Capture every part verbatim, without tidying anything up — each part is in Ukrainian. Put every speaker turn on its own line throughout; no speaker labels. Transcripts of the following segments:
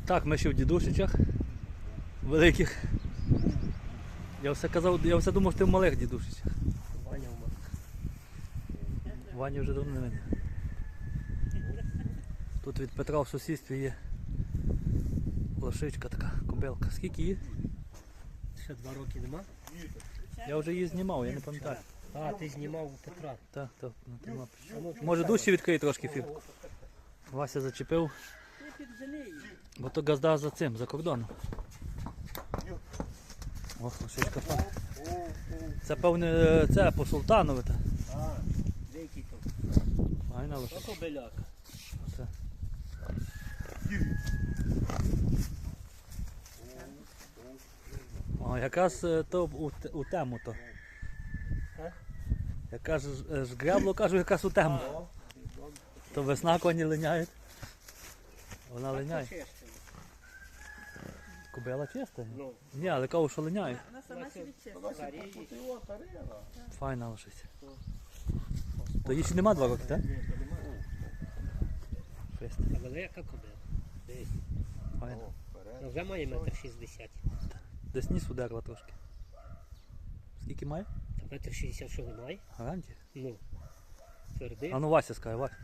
Так, ми ще в дідушичах великих. Я все казав, я все думав, що ти в малих дідушичах.
Ваня у мене.
Ваня вже давно не видно. Тут від Петра в сусідстві є лошичка така, кобилка. Скільки її?
Ще два роки нема?
Я вже її знімав, я не пам'ятаю.
А, ти знімав у Петра.
Так, так, на тема. Може дужче відкрий трошки фір. Вася зачепив. Бо то газда за цим, за кордоном. Ох, лошичка фа. Це певне, це по Султанове.
А, деякий то.
Файна лошичка.
Ото беляка.
Це. О, якраз е, то у, те- у тему то.
А?
Яка ж е, ж гребло, кажу, якраз у тему. То весна коні линяють. Вона линяє. Кобила чиста?
Ну,
Ні, але кажу, що линяє.
Вона сама собі числа.
старіє.
Файна лошиця. То їй ще нема два роки, так?
Ні, то немає.
Фест.
Та велика кобила. Десь.
Файна.
Ну, вже має метр шістдесят.
Десь ніс ударила трошки. Скільки має?
Та метр шістдесят що немає?
Гарантія?
Ну. Твердий.
А ну Вася скаже, Вася.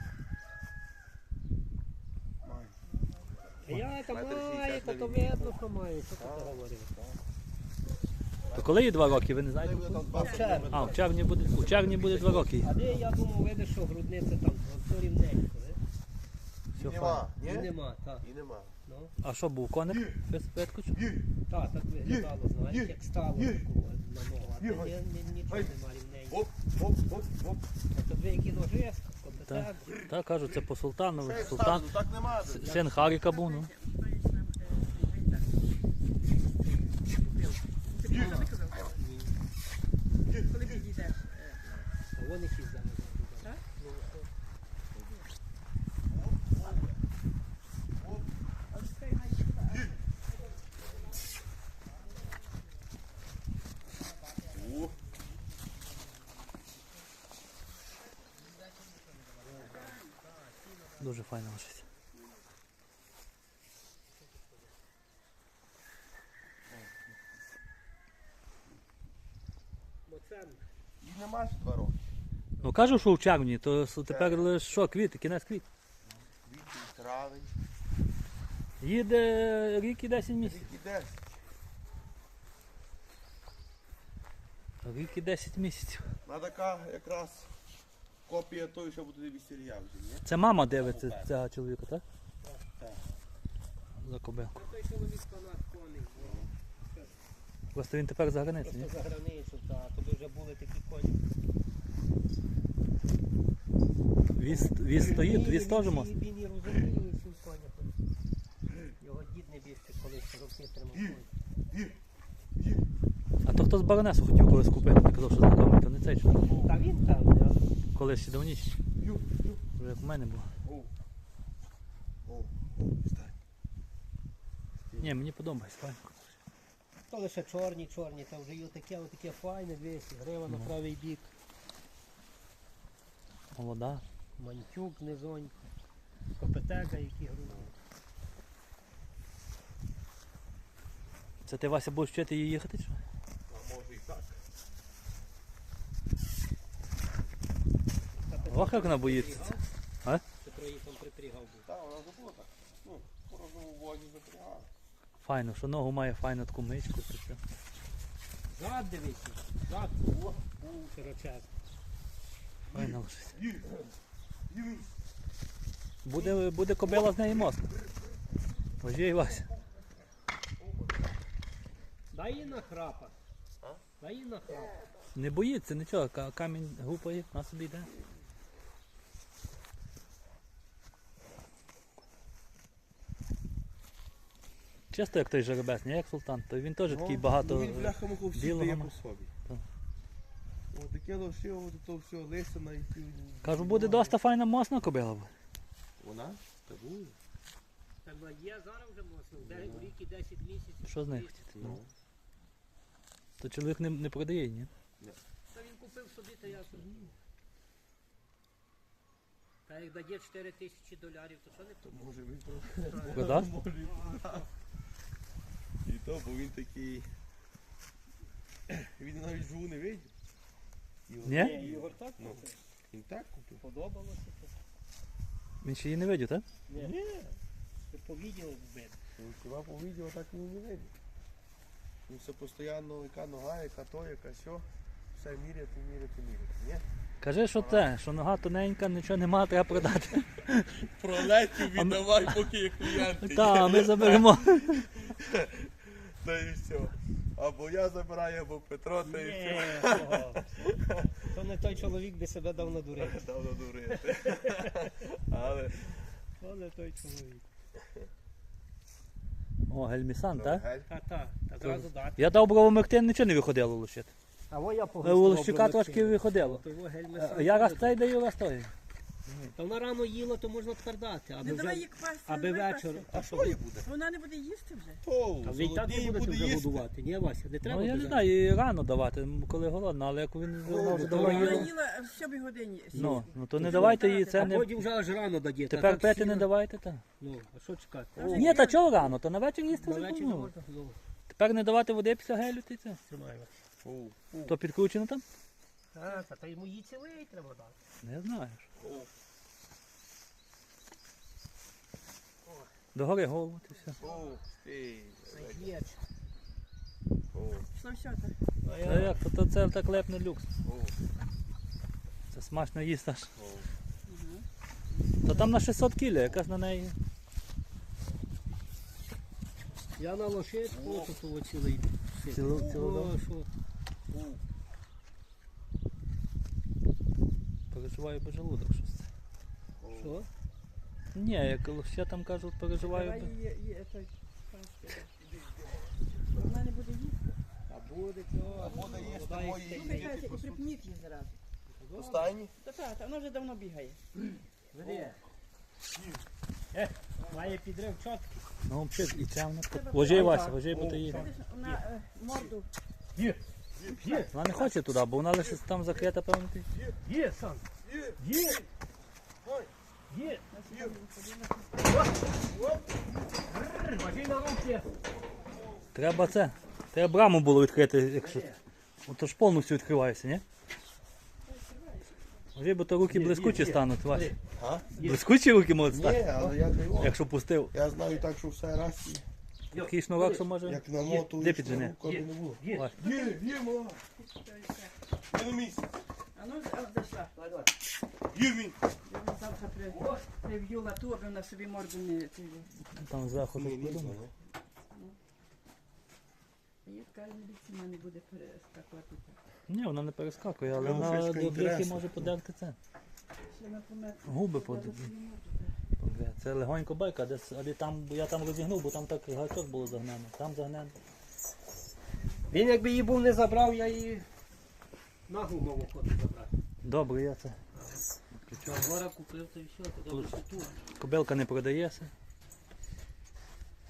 Я там має, та то видно, що має. Що ти говорив?
То коли їй два роки, ви не знаєте?
В червні.
А, в червні буде, у червні буде два роки.
А де я думав, видиш, що грудниця там, все рівненько, ви?
Все
Нема,
файно.
І
ні?
нема, так.
І нема.
Ну,
А що був коник? Феткоч?
так, так виглядало, знаєш, як стало такого на ногу. А то ні- ні- нічого нема рівненько.
Оп, оп, оп, оп.
А то дві які ножи,
Так,
компетент.
так кажуть, це по Султанову.
Це
Султан,
стану, так нема.
с- син Харіка був, ну.
Коли підійдеш.
А вони всі зараз.
Так?
Ну,
О,
Дуже файна лошиця.
бо це
і нема ще два роки.
Ну кажу, що в червні, то с- тепер лише що, квіти, кінець квіт.
Квітень, травень,
Їде рік і десять місяців.
рік і десять.
Рік і десять місяців.
На така якраз копія тої, що буде весілля вже, ні?
Це мама дивиться цього чоловіка, так?
Так.
За кобилку.
той чоловік фанат коней,
Просто він тепер за границею, ні?
просто за границю, та тобі вже були такі коні.
Віз, віз стоїть, віз теж
Він-
мост.
Він і розуміє ці коні. Його дід не більше колись роки тримав коні.
А то хто з баронесу хотів колись купити, ти казав, що знайомий, то не цей чоловік.
Та він там, я.
Колись ще давніше.
Ю, ю.
Вже як у мене було.
О, о, стань.
Ні, мені подобається, файно.
То лише чорні, чорні, та вже є таке, отаке файне, дивись, грива на
Ну.
правий бік,
Молода.
мантюк низонько, копетека, які груди.
Це ти, Вася, будеш вчити її їхати, чи?
А може і так.
Ох, як вона боїться. А?
Петро її там припрягав був.
Так, вона забула так. Ну, по розному воді запрягала.
Файно, що ногу має файну таку мичку. то все.
Зад дивися, зад, о, широчезний.
Файна лошиця.
Ю, ю.
Буде, буде кобила з неї мост. Ожій, Вася.
Дай їй на храпа.
А?
Дай їй на храпа.
Не боїться нічого, ка- камінь гупає, на собі йде. Чисто як той жеребець, не як султан, то він теж такий багато.
Ну, він бляха-муха всі
білого
дає
ма-
по собі.
Так.
О, таке лоші, от то все, лисина і ті.
Кажу, буде доста файна мосна кобила. буде.
Вона? Та буде.
Та ну, є зараз вже моцно, де рік і десять місяців.
Що з нею хотіти?
Ну.
То чоловік не, не продає, ні?
Та він купив собі, та я собі. Та як дає чотири тисячі доларів, то що не тут?
Може він трохи.
Продасть?
Може і продав. І то, бо він такий. Він навіть живу не видів. Його-
Ні?
Ігор так
Ну.
купив?
Він так купив.
Подобалося то?
Він ще її не видів, так?
Ні.
Ні.
Ти по відео вбив.
Він хіба по відео так він не видів. Він все постійно, яка нога, яка то, яка сьо. Все міряти, міряти, міряти. Ні?
Кажи, що те, що нога тоненька, нічого нема, треба продати.
Пролетів, віддавай, поки є клієнти.
Так, ми заберемо.
Та і все. Або я забираю, або Петро, та і все.
Ні, того. То не той чоловік, де себе дав надурити.
Давно дурити. Але
То не той чоловік.
О, гельмісан, так?
Гель.
Та, та, та зразу дати.
Я дав бровомектин, нічого не виходило лущити.
А во я
У
погостував.
Лущика трошки виходило.
Того
Е,
гельмеса.
Я раз цей даю, раз той.
Та вона рано їла, то можна тепер дати. Аби,
Не давай
вже,
їх класти.
аби вечір.
А що їй буде?
Вона не буде їсти вже.
То,
А ви і так не
золотій
будете
буде
вже
їсти.
годувати. Ні, Вася, не треба.
Ну я не
буде.
знаю, їй рано давати, коли голодна, але як він вона вже давно
Вона
їла.
їла в сьомій годині.
Ну, ну то не давайте їй це
А
не.
потім вже аж рано дадє. Та
Тепер
так
пити
сіла.
не давайте, так.
Ну, а що чекати?
Та вже
Ні, та чого рано, то на вечір їсти
На
вже
вечір
ну.
можна. Ну,
Тепер не давати води після гелю, ти це.
тримай.
О,
То підкручено там?
А, та, та йому їй цілий треба дати.
Не знаю.
о.
Догори голову, ти все.
О, ей,
Є.
о,
Пішло все так.
А
Та
я
як, то, то це так лепне люкс.
о,
Це смачно їсти аж.
о.
То там на шістсот кілі, якась на неї.
Я на лошадку, ото того цілий.
Цілу- цілу
О, що?
Переживаю без желудок щось.
Що?
Ні, як ще там кажуть, переживаю.
Давай
би-
її, її, той, трошки. Вона не буде їсти.
А буде цього.
А буде їсти
вода
мої
їсти.
Ну, хай і припніть її зразу.
Останні?
Та та, та вона вже давно бігає.
Веди. Е, має підрив чоткий.
Ну, взагалі, і це вона.
Треба
Ложи,
так.
Вася, ложи, бо то її.
Видиш, вона е, морду.
Є. Є.
Вона не хоче туди, бо вона лише там закрита, певно. ти.
Є, Сан. Є. Є. Важи на руки.
Треба це. Треба браму було відкрити, якщо. Ото ж повністю відкривається, ні? Ложи, бо то руки
Є,
блискучі
є, є.
стануть, Вася.
А?
Блискучі руки можуть
Ні,
стати,
але я не можу.
якщо пустив.
Я знаю так, що все раз, і
Такий шнурок, що може.
як намотую,
Де піджени?
руку не було.
Є.
Вася.
Є, є, мала. Я на місці.
А ну, а, зайшла.
Є він.
Я вона завтра при, прив'ю лату, аби вона собі морду не... ці-
Там зверху
Ні,
щось
ні,
придумав.
ні.
Я така міліція не буде перескакувати.
Ні, вона не перескакує, але
Ну,
вона
фішка
до брюхи
інтересна.
може подерти це.
Ще на помет.
Губи под... Це легонько байка, десь, але там, бо я там розігнув, бо там так гачок було загнено. Там загнено.
Він якби її був не забрав, я її нагу мав охоту забрати.
Добре, я це.
Гора купив, то і все, то добре, що тут.
Кобилка не продається.